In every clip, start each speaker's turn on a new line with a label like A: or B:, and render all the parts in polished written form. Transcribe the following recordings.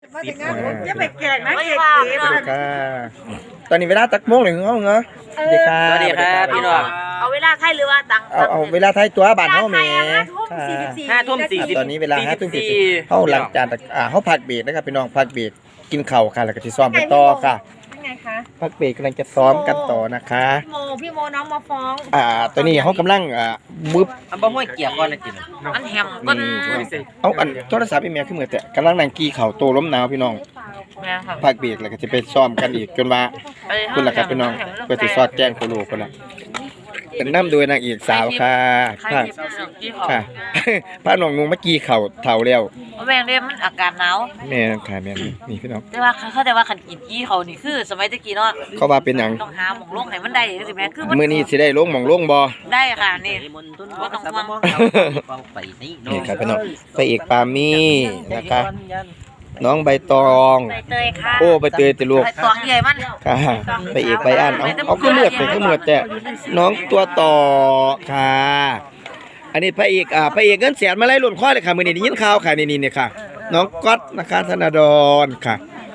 A: อย่าไปแกล้งนะเอก
B: ค่ะตอนนี้เวลาตักโมงหรือเงาเหรอสวัสดีครับ
C: สวัสดีครับพี่น้อง
A: เอาเวลาไทยหรือว่าตัง
B: เอาเวลาไทยตัวบ้านเฮาแหม่
C: 5:44
B: ตอนนี้เวลา5:44เฮาหลังจากเฮาพักเบรกนะครับพี่น้องพักเบรกกินข้าวค่ะแล้วก็สิซ้อมกันต่อค่ะ
A: ยังไงคะ
B: พักเบรกกำลังจะซ้อมกันต่อนะคะ
A: พี่โมน้องมาฟ้อง
B: ตอนนี้เฮากำลังมึบ
C: อันบ่ห้วยเกียร์ก่อนนะจิ
A: อันแฮมก็
B: เอาอันโทรศัพท์อีเมลขึ้นมือแต่กำลังนั่งกี้ข้าวโตล้มหนาวพี่น้องพักเบรกแล้วก็จะไปซ้อมกันอีกจนว่าคุณล่ะครับพี่น้องเพื่อสิสอดแจ้งโคโลพุ่นล่ะเป็นน้ำโดยนางเอกสาวค่ะค่ะพาน้องงงเมื่อกี้เข่าเท่าแล้ว
A: แม่งเรียกมันอากาศหนาว
B: แม่ค่ะแม่นี่พี่น้อง
A: แต่ว่าเขาแต่ว่าขันกินกี้เขานี่คือสมัยตะกี้เนาะ
B: เขาว่าเป็นหยัง
A: ต้องหาหม่องลงให้มันได้สิแม่คือ
B: มื้อนี้สิได้ลงหม่องลงบ่
A: ได้ค่ะนี่บ่ต้องห่วง
B: นี่ครับพี่น้องพระเอกปามี่นะคะน้องใบตอง
A: ใบเตยค่ะ
B: โอ้ใบเตยติลูก
A: ใบตองใหญ่มัน
B: ค่ะพระเอกใบอันเอาคือเมือดเป็นคือเมือดแต่น้องตัวต่อค่ะอันนี้พระเอกพระเอกเงินแสนมาไล่หล่นข้อเลยค่ะมื้อนี้ได้ยินข่าวค่ะนี่เนี่ยค่ะน้องก๊อตนะคะธนาดรค่ะ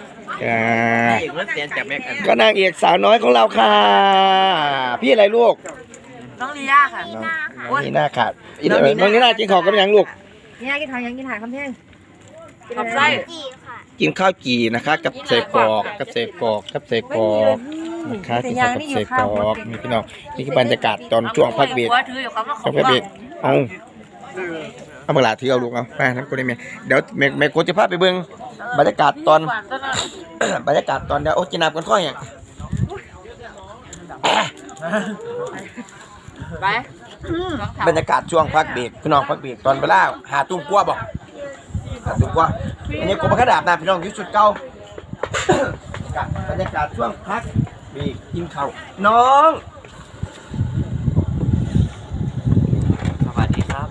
B: ก็นางเอกสาวน้อยของเราค่ะพี่อะไรลูก
A: น้องลีน่าค่ะ
B: น้องลีน่าค่ะน้องลีน่ากินข้าวกับยังลูก
A: ลีน่ากินข้าวยังกินถ่ายคำเพียง
B: กับไส้กินข้าวจีนะคะกับเสกอกกับเสกอกกับเสกอกนะคะกินข้าวกับเสกอกนี่พี่น้องนี่คือบรรยากาศตอนช่วงพักเบรกช่วงพักเบรกเอาเวลาถือเอาลูกเอาไปนั่นก็ได้ไหมเดี๋ยวแม่โคจะพาไปเบิ่งบรรยากาศตอนบรรยากาศตอนเดี๋ยวโอ้กินน้ำกันค่อยอย่าง
A: ไป
B: บรรยากาศช่วงพักเบรกพี่น้องพักเบรกตอนเวลาหาตุ้มกลัวบอกถูกว่าอันนี้กบกระดาษนะพี่น้องอยู่ชุดเก่าบรรยากาศช่วงพักมีกินข้าวน้อง
C: สวัสดีครับ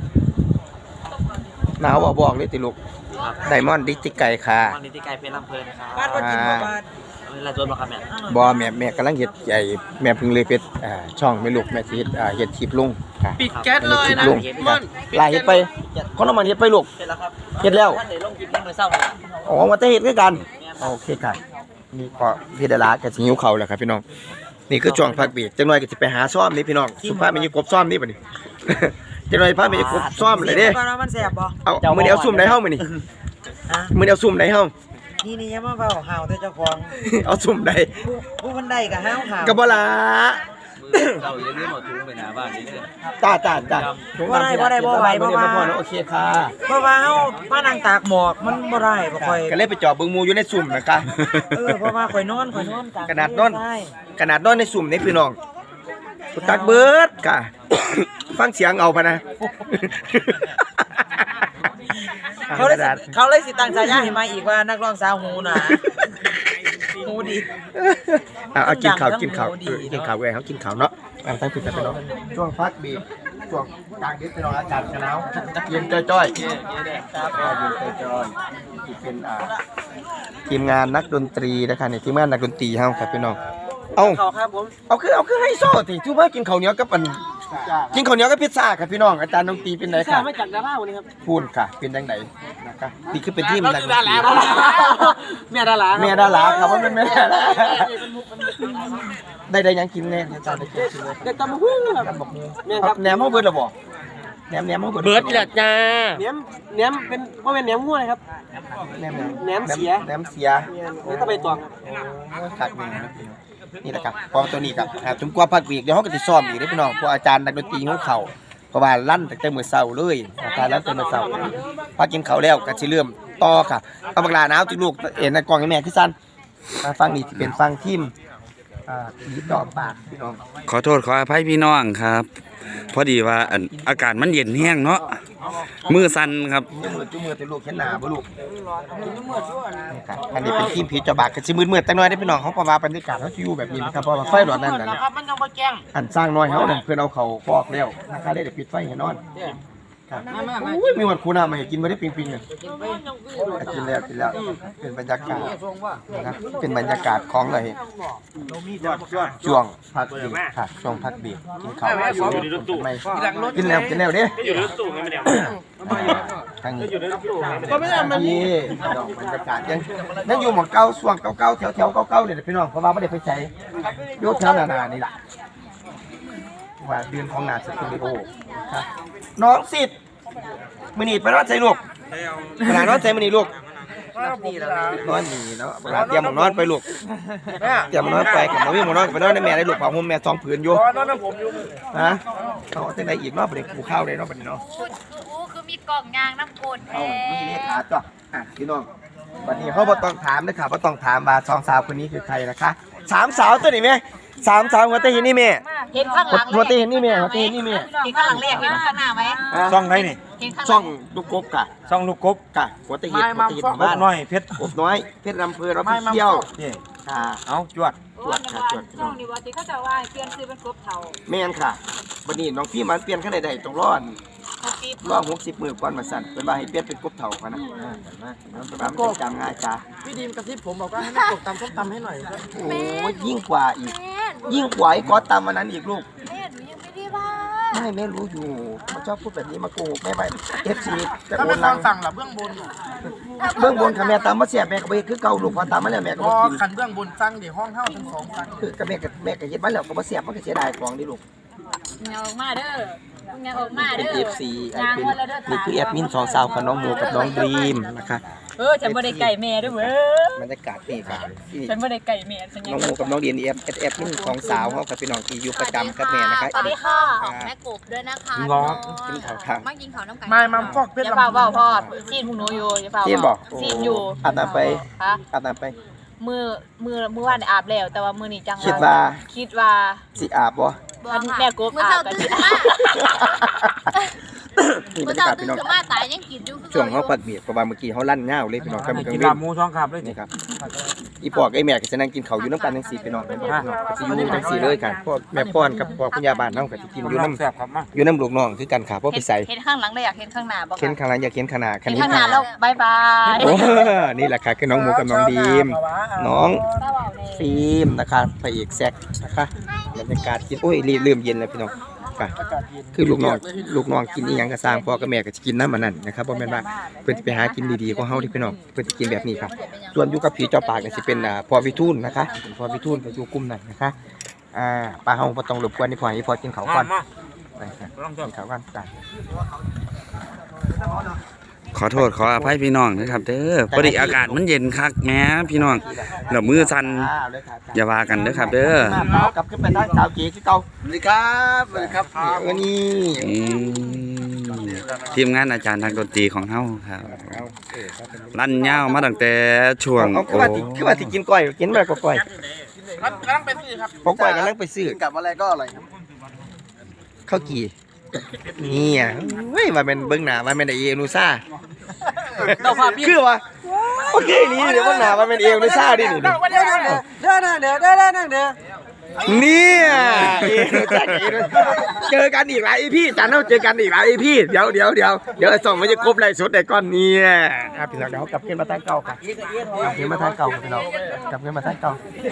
B: หนาวบอกเลยติลูกไดมอนด์ดิจิไก่ค่ะ
C: มอนดิจิไก่เป็นลำเพลินครับบ้านก็กินบ้านเราโดนมาครับ
B: แม่กำลังเห็ดใหญ่แม่เพิ่งเลยเป็ดช่องไม่ลูกแม่ทีเห็ดทิพลุง
C: ปิดแก๊สเลยนะ
B: ลายเห็ดไปคนน้ำมันเห็ดไปลูกเห็ดแล้วอ๋อมาเตะเห็ดด้วยกันโอเคค่ะนี่ก็พี่ดารากับหิวเข่าแหละครับพี่น้องนี่คือช่วงพักเบรกจังหน่อยก็จะไปหาซ่อมนี่พี่น้องสุภาพมีกบซ่อมนี่ป่ะนี่จังหน่อยพามีกบซ่อมเลยเด้เอามือเดียวซุ่มไหนเฮ้ามือนี่มือเดียวซุ่มไหนเฮ้า
D: นี่ยังมาเฝ้าห่าวแต่เจ้าของ
B: เอาซุ่มใด
D: ผู้คนใดกับห่าว
B: กับบ่ล่ะ
C: เราอย่าลืมเอาถุงไปหน้าบ้านนี่เด้อ
B: จ้า
D: บ่ได้บ่ไหวบ่
B: มาโอเคค่ะ
D: เพราะว่าเฮามานั่งตากหมอกมันบ่ได้บ่ค่อย
B: ก็เลยไปจอบเบิ่งหมู่อยู่ในซุ่มนะคะ
D: เพราะว่าข่อยนอน
B: ขนาดนอนในซุ่มนี่พี่น้องตักเบิดค่ะฟังเสียงเอาพะนะ
D: เขาเลยสิตั้งฉายาให้มาอีกว่านักร้องสาวหูหนาหูดี
B: เอากินข้าวเว้ยเขากินข้าวเนาะตั้งผิดกันไปเนาะช่วงพักบีช่วงกลางดึกไปนอนอากาศหนาวเย็นจ้อยๆเย็นจ้อยๆเป็นทีมงานนักดนตรีนะคะนี่ทีมงานนักดนตรีเฮาครับพี่น้องเอาคือให้โซ่สิทุกว่ากินข้าวเหนียวกับกินข้าวเหนียวกับพิซซ่าครับพี่น้องอาจารย์ดนตรีเป็นไหนครับ
D: มาจากดาราวันนี้ครับ
B: พูดค่ะเป็นจังไหนนะคะนี่คือเป็นทีมนักดนตรี
D: แม่ดารา
B: ครับว่าเป็นแม่ดาราได้ยังกินแน่อาจารย์ได้กินเลย
D: ได้ตำบักหุ่ง
B: ครับแหนมเขาเบิดหรอบ่แหนมเขาเบิ
C: ดแหละจ้า
D: แหนมเป็นว่าเป็นแหนมหัวเลยครับแหนมเสียนี่ต้องไปตัว
B: ขัดมือนี่แหละครับพอตัวนี้ครับจนกว่าพักวีกเดี๋ยวเขาก็จะซ้อมอีกได้พี่น้องเพราะอาจารย์นักดนตรีของเขาเพราะว่าลั่นตั้งแต่มื้อเช้าเลยอาจารย์ลั่นตั้งแต่มื้อเช้าพอกินข้าวแล้วก็สิเริ่มต่อค่ะเอาบักหลาหนาวจิลูกเอ็นในกล่องให้แม่คือซั่นฟังนี่สิเป็นฟังทีมยิบดอกปากพี่น้อง
E: ขอโทษขออภัยพี่น้องครับพอดีว่าอากาศมันเย็นแห้งเนาะมือสั่นครับ
B: จุ่มมือแต่ลูกเห็นหน้าบ่ลูกอันนี้เป็นทีมผีจอบากก็สิมืดๆจังหน่อยได้พี่น้องเขาประว่าบรรยากาศเขาอยู่แบบนี้นะครับเพราะว่าไฟหลอดนั่นน่ะ
D: ครับมันยังบ่แจ้ง
B: อันสร้างน้อยเฮานั่นเพิ่นเอาเขาฟอกแล้วนะคะได้ปิดไฟให้นอนครับอุ้ยมีวันคูน้ามาให้กินบ่ได้ปิงๆอ่ะกินแล้วเป็นบรรยากาศนะครับเป็นบรรยากาศของอะไรช่วงพักเบรกค่ะช่วงพักเบรกกินข้าวไม่กินแล้วเด้ทางนี้ก็ไม่ได้มันนี่ดอกบรรยากาศยังอยู่หมองเก่าส่วงเก่าๆแถวเก่าๆเนี่ยพี่น้องเพราะว่าไม่ได้ไปใช้ยกแถวนานี่แหละว่าเดือนของงานสตูดิโอครับน้องสิทธิ์มือหนีไปนอนใส่ลูกเวลานอนใส่มือหนีลูกนอนหนีเนาะเวลาเตรียมหมอนอนไปลูกเตรียมหมอนอนไปกับน้องวิ่งหมอนอนไปนอนในแม่ได้ลูกของผมแม่2ผืนอยู่นอนผมอยู่ฮะเขาจะได้อีกเนาะประเด็นกูข้าวเลยเนาะประเด็นเนาะ
F: คือมีกล่องยางน้ำกรดแท้
B: มีเลขาจ้ะพี่น้องวันนี้เขาบ่ต้องถามเลยค่ะบ่ต้องถามว่า2 สาวคนนี้คือใครนะคะ3 สาวตัวนี้แม่3 สาวหัวเตยนี่แม่
F: เห็นข้างหลัง
B: หัวเตยนี่แม่หัวเตยนี่แม่
F: เห็นข้างหลังเรียกเห็นข้างหน้าไหม
C: ช่องไหนนี่
F: เห็นข้างห
B: ช่
F: ลั
B: องลูกกบกะ
C: ช่องลูกกบ
B: กะหัวเตยบ้าน
C: น้อยเพชร
B: กบน้อยเพชรลำเพลินเราไปเที่ยว
C: นี่
B: ค่ะ
C: เอาจวด
B: ตรวจค่ะตรวจ
F: ช่องนี้ว่าที่เขาจะว่าเปลี่ยนซื้อเป็นกบเถา
B: แม่นค่ะวันนี้น้องพี่มันเปลี่ยนขั้นใดๆต้องร้อน60 มื้อก่อนมาสั่นเป็นว่าให้เปลี่ยนเป็นกบเถาค่ะนะเป็นว่ามันจำง่ายจ้า
D: พี่ดีมกระซิบผมบอกว่าให้แม่กบตำส้มตำให้หน่อย
B: โอ้ยยิ่งกว่าอีกยิ่งกว่าไอ้ก๊อตตามวันนั้นอีกลูก
F: แม่หนูยังไม่ได้ว่า
B: ไม่แม่รู้อยู่มันชอบพูดแบบนี้มาโกหกแม่ไปFC จะ
D: ถ้า
B: โอ
D: เป็น
B: น
D: ต
B: ลั
D: อง นสั่งหรอเบื้องบน
B: เบื้องบนค่ะแม่ตามมาเสียแม่ก็ไปคือเก่าลูกพอตามมาแล้วแม่ก็
D: พ
B: บ่
D: อ
B: กิน
D: ขันเบื้องบนสั่งเดี๋ยวห้องเท่าทั้ง2สั่ง
B: คือกับแม่ก็เฮ็ดมาแล้วก็บ่เสียบมันก็เสียดายของดิลูก
F: อย่าออกมาเด้ออย่าออกมา
B: เป็น
F: เด้อ
B: FC เป็นนี่คือแอดมิน2 สาวของน้องโมกับน้องดรีมนะคะ
F: ฉันบ่ได้ไก่แม่ด้วยเว้ย
B: บรรยากาศนี่ค่ะที่
F: ฉันบ่ได้ไก่แม่ฉันยั
B: น้องโมกับน้องดรีมแอดมิน2 สาวเฮากับพี่น้องที่อยู่ประจำกับแม่นะคะ
F: สวัสดีค่ะของแม่กบด้วยนะคะ
B: กินข้าวค่ะ
F: มากินข้าวน้ำไก่
D: ไม่มัมฟอกเพชร
F: อย่า
D: ลำ
F: เฝ้าพ่อซีนพวกหนูอยู่อย่าเฝ้า
B: เทียนบอก
F: ซีนอยู่
B: อาบน้ำไป
F: ฮะ
B: อาบน้ำไป
F: มือวานอาบแล้วแต่ว่ามือนี้จัง
B: คิดว่า
F: คิดว่า
B: สิอาบบ่
F: แม่กบอาบกันสิ
B: นี่บร
F: เมื่อ
B: รยา
F: เช้าก
B: าศ
F: ตื่
B: พี่
F: น
B: น้อง
F: ขึ้นมาตายยังกินอยู่
B: ช่วงเฮาปัดเบียดเพราะว่าเมื่อกี้เฮาลั่นง่าวเลยพี่น้องกำลัง
C: กิน
B: เว้
C: ลาน บหมูช่องครับเลย
B: นี่ครับอีปอกไอ้แม่ก็จะนั่งกินข้าวอยู่น้ำกันจังซี่พี่น้องเป็นบ่พี่น้องก็สิอยู่จังซี่เลยกันพ่อแม่ป้อนกับพ่อคุณยาบ้านเฮาก็สิกินอยู่น้ำ
C: แซ่บครับมา
B: อยู่น้ำลูกน้องคือกันค่ะบ่ไปใส่
F: เห็นข้างหลังเลยอยากเห็นข้างหน้าบ่
B: เข็นข้างหลังอย่าเข็นข้างหน้าคัน
F: เห็น
B: นี้
F: ข้างหน้าแล้วบายบาย
B: โอ้นี่แหละค่ะคือน้องหมูกับน้องดีมน้องฟิล์มนะคะพระเอกแซกนะคะบรรยากาศกินโอ้ยเริ่มเย็นแล้วพี่น้องค่ะคือลูกน้องกินอีหยังก็สร้างพ่อกับแม่ก็จะกินน้ำมันนั่นนะครับบ่แม่นว่าเพิ่นสิไปหากินดีๆของเฮาที่พี่น้องเพิ่นสิกินแบบนี้ครับส่วนอยู่กับผีเจ้าป่าก็สิเป็นพ่อวิทูลนะคะเป็นพ่อวิทูลก็อยู่กลุ่มนั้นนะคะป้าเฮาบ่ต้องรบกวนนี่พ่อให้พ่อกินข้าวก่อนไปค่ะกินข้าวก่อนจ้ะ
E: ขอโทษขออภัยพี่น้องนะครับเด้อพอดีอากาศมันเย็นคักแหม้พี่น้องแล้วมือสั่นอย่าว่ากันเด้อครับเด้อ
B: มากับขึ้นไปทางสาวเก๋คือเก่าสวัสดีครับสวัสดีครับนี่
E: อืมทีมงานอาจารย์ทางดนตรีของเฮาครับลั่นยาวมาตั้งแต่ช่วง
B: เอาคือว่าที่กินก้อยกินอะไรก็ก้อย
D: กำลังไปซื้อครับ
B: พอก้อยกำลังไปซื้อ
D: กับอะไรก็อร่อยครับ
B: ข้าวกี่นี่อ่ะเฮ้ยว่าเป็นเบิ้งหน้าว่าเป็นเอนูซ่าคือว่าโอเคนี่เดี๋ยวเบิ้งหน้าว่าเป็นเอนูซ่าดินี่
D: เด้อ
B: เนี่ยเจอกันอีกหลายพี่จันเราเจอกันอีกหลายพี่เดี๋ยวส่งมันจะครบไรสุดในก้อนนี้ครับพี่น้องเดี๋ยวกลับขึ้นมาทางเก่าครับกลับขึ้นมาทางเก่าพี่น้องกลับขึ้นมาทางเก่า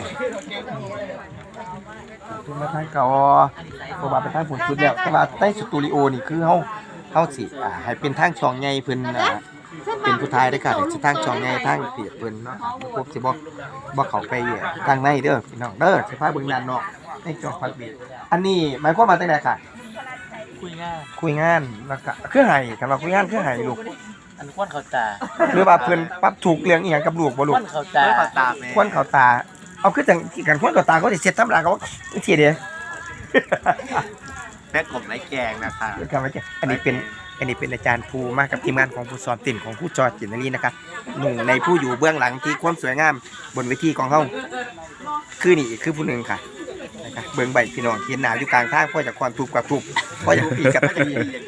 B: ขึ้นมาทางเก่าเพราะว่าเป็นทางฝนชุดแล้วเพราะว่าใต้สตูดิโอนี่คือเฮาสิให้เป็นทางช่องใหญ่เพิ่นเป็นผู้ทายได้ค่ะสิทางช่องใหญ่ทางเปียกเพิ่นเนาะพวกสิบ่เข้าไปทางในเด้อพี่น้องเด้อสิพาเบิ่งด้านนอกในจอฟักบีอันนี้หมายความว่าจังได๋ค่ะคุยงานแล้วก็คือให้กันว่าคุยงานคือให้ลูก
D: อันควนเขาตา
B: หรือว่าเพิ่นปรับถูกเรื่องอีหยังกับลูกบ่ลูก
D: เขาตา
B: ควนเข้าตาเอาคือจังกันควนเข้าตาเขาสิเสร็จธรรมดาเขาสิเด้
C: แม่กบไร้แกงนะคะ
B: ครับอันนี้เป็นอาจารย์ภูมากับทีมงานของผู้สอนติ่นของผู้จอดจิตนี้นะคะหนุ่มในผู้อยู่เบื้องหลังที่ความสวยงามบนเวทีของเฮาคือนี่คือผู้หนึ่งค่ะนะคะเบื้องใบพี่น้องเห็นหน้าอยู่กลางทางพ่อจากความทุกข์กับทุกข์พ่อจากปีกับปี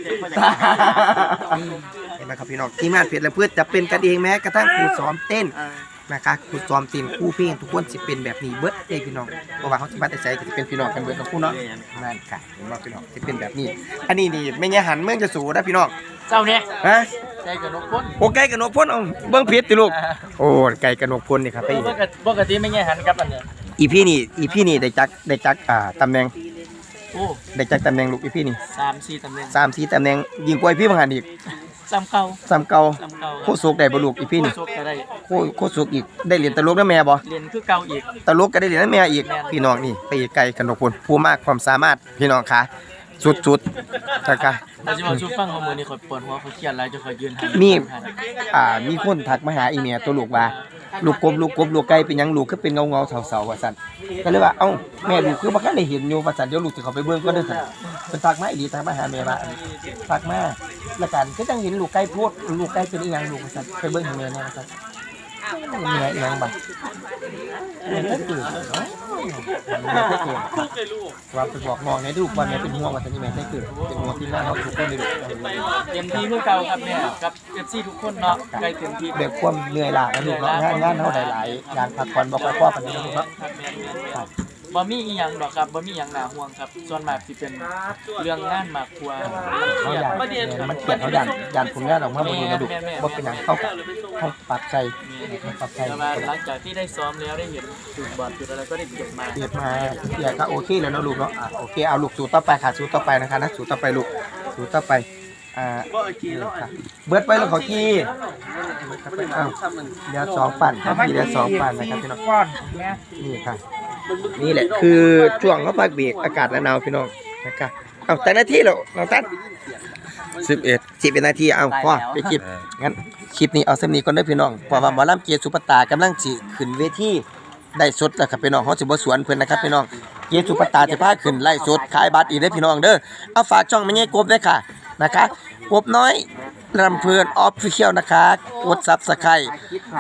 B: เห็นไหมครับพี่น้องทีมงานเพชรและเพื่อจะเป็นกันเองแม้กระทั่งครูซ้อมเต้นนะคะครูซ้อมเต้นคู่เพลงทุกคนสิเป็นแบบนี้เบิดเลยพี่น้องเพราะว่าเขาสิมาแต่ใจก็สิเป็นพี่น้องกันเบิดทั้งคู่เนาะนั่นค่ะเห็นว่าพี่น้องสิเป็นแบบนี้อันนี้นี่ไม่งั้นหันเมืองจะสูนะพี่น้อง
D: เจ้าเนี่ย
B: ฮะ
D: ใจกับนกพ้น
B: โอ้ไก่กับนกพ่นเอาเบิ้งผิดติลูกโอ้ไก่กับนกพ่นนี่ครับไป
D: ปกติไม่แง่หันกับอันเนี่ย
B: อีพี่นี่ได้จักตำแหน่ง
D: โอ้
B: ได้จักตำแหน่งลูกอีพี่นี่
D: 3-4ตำแหน่ง
B: 3-4ตำแหน่งยิงกว่าพี่บางหันอีก
C: ซ้ำเก่า
B: ซ้ำเก่า
C: ซ้ำเก่า
B: โคสุกได้บ่ลูกอีพี่นี่
C: โซกก็ได้
B: โคสุกอีกได้เหรียญตลกนำแม่บ่
C: เรียนคือเก่าอีก
B: ตลกก็ได้เหรียญนำแม่อีกพี่น้องนี่ไปไกลกันทุกคนผู้มากความสามารถพี่น้องค่ะสุดๆนะคะ
C: เราจะมาชูฟังว่ามือนี้ข่อยปวดหัวข่อยเครียดหลายจะข่อยยืนหา
B: มีคนทักมาหาอีเมียตัวลูกว่าลูกกบลูกไก่เป็นหยังลูกคือเป็นเงาเสาๆว่าซั่นก็เลยว่าเอ้าแม่ลูกคือบ่คันได้เห็นอยู่ว่าซั่นเดี๋ยวลูกสิเข้าไปเบิ่งก่อนเด้อซั่นเพิ่นทักมาอีหลีทักมาหาแม่ว่าทักมาแล้วกันก็จังเห็นลูกไก่โพดลูกไก่เป็นอีหยังลูกว่าซั่นไปเบิ่งให้แม่แน่ว่าซั่นแม่อีหยังบัดแม่ก็ตื่นเนาะแม่ก็ตื่นว่าไปบอกน้องในลูกว่าแม่เป็นห่วงว่าซั่นนี่แม่ได้ตื่นเป็นห่วงที่หน้าเฮาทุกคนเลยลูก
C: เต็มที่คือเก่าครับเนี่ยกับ FC ทุกคนเนาะใกล้เต็มที่
B: เด็กความเหนื่อยล้านะลูกเนาะงานเฮาได้หลายอย่างพักผ่อนบ่ค่อยพอปานนี้นะลูกเนาะ
C: ครับบ่มีอีหยังดอกครับบ่มีหยังน่าห่วงครับส่วนมากสิเป็นเรื่องงานมากกว่า
B: เขาอยาก
C: ประเด็น
B: มันเกลียดเขาอยากผลงานออกมาบ่ดีนะลูกบ่เป็นหยังเขาปรับใจปรับใจ
C: แต่ว่าหลังจากที่ได้ซ้อมแล้วได้เห็นจุดบอดจุดอะไรก็ได้เก็บมา
B: เกลียดมาเกลียดก็โอเคแล้วเนาะลูกเนาะโอเคเอาลูกสู้ต่อไปค่ะสู้ต่อไปนะคะนะสู้ต่อไปลูกสู้ต่อไปค่ะเบิดไปแล้วเขากี้อ้าวเดี๋ยว2ปั่นครับพี่เดี๋ยว2ปั่นนะครับพี่น้อง
D: ก่อนแม่
B: นี่ค่ะนี่แหละคือช่วงเขาพักเบรกอากาศหนาวพี่น้องนะครับเอาแต่นาทีแล้วน้องตั้น 11นาทีเอาพ่อไปคลิปงั้นคลิปนี้เอาเส้นนี้ก่อนเด้อพี่น้องเพราะว่าหมอลำเกียรติสุปตากำลังสิขึ้นเวทีได้สดแล้วครับพี่น้องเฮาสิบ่สวนเพิ่นนะครับพี่น้องเกียรติสุปตาจะพาขึ้นไล่สดขายบัตรอีกเด้อพี่น้องเด้อเอาฝากช่องแม่ใหญ่กบด้วยค่ะนะคะกบน้อยลำเพลินออฟฟิเชียลนะคะกด Subscribe